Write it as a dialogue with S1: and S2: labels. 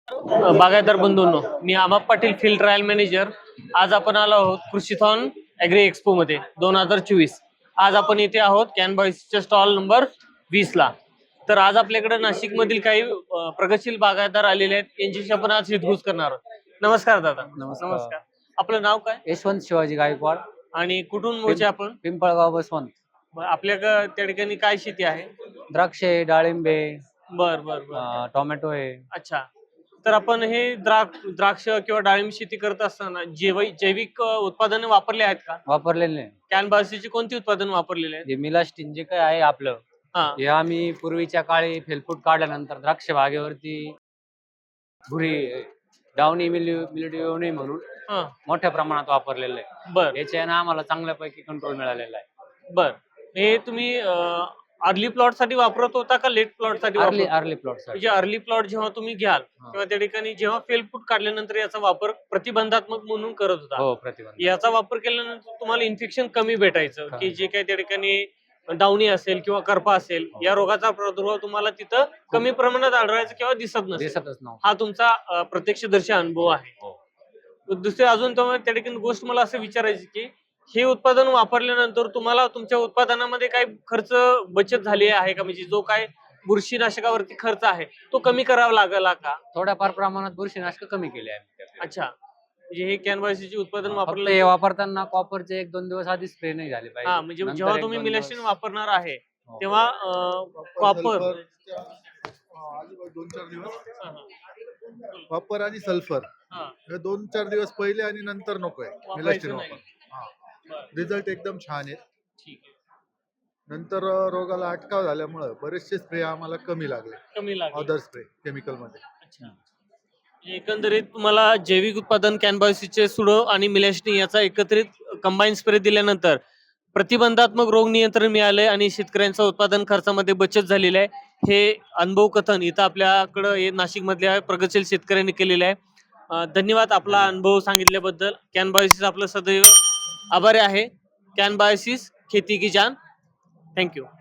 S1: बागायतदार बंधूंनो, मी अमाप Patil field trial manager. आज आपण आलो आहोत कृषीथॉन ॲग्री एक्सपो मध्ये 2024. आज आपण इथे आहोत कॅनबॉयसच्या स्टॉल नंबर 20 ला. तर आज आपल्याकडे नाशिक मधील काही प्रगतशील बागायतदार आलेले आहेत, यांच्याशी आपण आज हितगुज करणार आहोत. नमस्कार दादा.
S2: नमस्कार.
S1: आपलं नाव काय
S2: यशवंत शिवाजी गायकवाड,
S1: आणि कुठून मूळचे आपण?
S2: पिंपळगाव बसवंत.
S1: आपल्या त्या ठिकाणी काय शेती आहे?
S2: द्राक्षे, डाळिंबे,
S1: बर बर बर
S2: टोमॅटो आहे.
S1: अच्छा. तर आपण हे द्राक्ष किंवा डाळिंब शेती करत असताना जैविक उत्पादने वापरले आहेत का?
S2: वापरलेले
S1: कॅनबासीची कोणती उत्पादन वापरलेले आहेत?
S2: जे मिलास्टिन जे काय आहे आपलं,
S1: हा
S2: हे आम्ही पूर्वीच्या काळी फेलफूट काढल्यानंतर द्राक्ष बागेवरती भुरी डावणी मिल्ड्यू येऊ नये म्हणून
S1: हा
S2: मोठ्या प्रमाणात वापरलेलं आहे.
S1: बर
S2: याच्याने आम्हाला चांगल्यापैकी कंट्रोल मिळालेला आहे.
S1: बर. हे तुम्ही अर्ली प्लॉट साठी वापरत होता का लेट प्लॉट साठी
S2: अर्ली प्लॉट
S1: म्हणजे अर्ली प्लॉट जेव्हा तुम्ही घ्याल तेव्हा त्या ठिकाणी जेव्हा फेलफूट काढल्यानंतर याचा वापर प्रतिबंधात्मक म्हणून करत होता.
S2: हो, प्रतिबंध.
S1: याचा वापर केल्यानंतर तुम्हाला इन्फेक्शन कमी भेटायचं,
S2: हा.
S1: की जे काही त्या ठिकाणी डावणी असेल किंवा करपा असेल, या रोगाचा प्रादुर्भाव तुम्हाला तिथं कमी प्रमाणात आढळायचा किंवा दिसत नसेल.
S2: दिसतच नव्हतं.
S1: हा तुमचा प्रत्यक्षदर्शी अनुभव आहे.
S2: हो.
S1: दुसरे अजून तुम्हाला त्या ठिकाणी गोष्ट मला असं विचारायची की हे उत्पादन वापरल्यानंतर तुम्हाला तुमच्या उत्पादनामध्ये काही खर्च बचत झाली आहे का? म्हणजे जो काय बुरशीनाशकावरती खर्च आहे तो कमी करावा लागला का?
S2: थोड्याफार प्रमाणात बुरशीनाशक कमी केले आहे.
S1: अच्छा. म्हणजे हे कॅनव्हासीचे उत्पादन
S2: फक्त
S1: वापरलं
S2: हे वापरताना कॉपरचे 1-2 दिवस आधी स्प्रे नाही झाले पाहिजे.
S1: हा, म्हणजे
S2: नंतर
S1: जेव्हा
S2: 1-2
S1: तुम्ही
S2: दिवस.
S1: मिलास्टिन वापरणार आहे
S2: हो.
S1: तेव्हा कॉपर
S3: 2-4 दिवस कॉपर आणि सल्फर हे 2-4 दिवस पहिले आणि नंतर नकोय मिलास्टिन वापर. रिझल्ट एकदम छान आहे.
S1: ठीक आहे,
S3: नंतर रोगाला अटकाव झाल्यामुळे बरेचसे स्प्रे आम्हाला कमी लागले,
S1: कमी लागेल.
S3: अदर स्प्रे केमिकल मध्ये.
S1: अच्छा. एकंदरीत तुम्हाला जैविक उत्पादन कॅनबासीचे सुडो आणि मिलास्टिन याचा एकत्रित कंबाईन स्प्रे दिल्यानंतर प्रतिबंधात्मक रोग नियंत्रण मिळाले आणि शेतकऱ्यांचा उत्पादन खर्चामध्ये बचत झालेली आहे. हे अनुभव कथन इथं आपल्याकडं नाशिक मधल्या प्रगतशील शेतकऱ्यांनी केलेलं आहे. धन्यवाद आपला अनुभव सांगितल्याबद्दल. कॅनबायोसिस आपलं सदैव आभारी आहे. कॅनबायोसिस खेती की जान. थँक्यू.